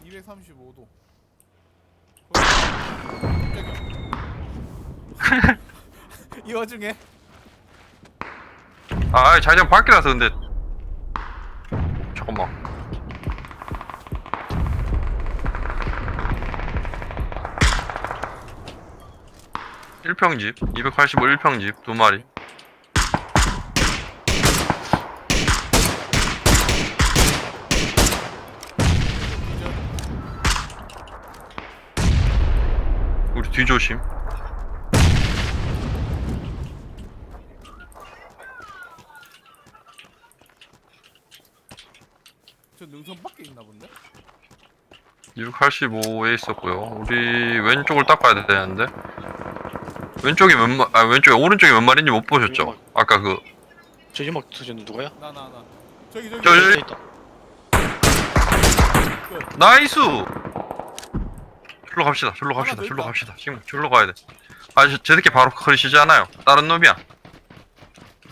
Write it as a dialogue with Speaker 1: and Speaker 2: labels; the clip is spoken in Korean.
Speaker 1: 235도. 이 와중에
Speaker 2: 아 자기장 밖이라서 근데 잠깐만. 일평집 285 1평집 2마리. 우리 뒤조심.
Speaker 1: 저 능선 밖에 있나 본데?
Speaker 2: 285에 있었고요. 우리 왼쪽을 닦아야 되는데 왼쪽이 왼쪽에 오른쪽이 몇 마리인지 못 보셨죠? 아까 그
Speaker 3: 저 연막 터졌는데 누가요?
Speaker 1: 나. 저기.
Speaker 2: 저,
Speaker 3: 저 있다.
Speaker 2: 나이스. 절로 갑시다.
Speaker 1: 하나 더 있다.
Speaker 2: 지금 절로 가야 돼. 아, 저 새끼 바로 커리시지 않아요. 다른 놈이야.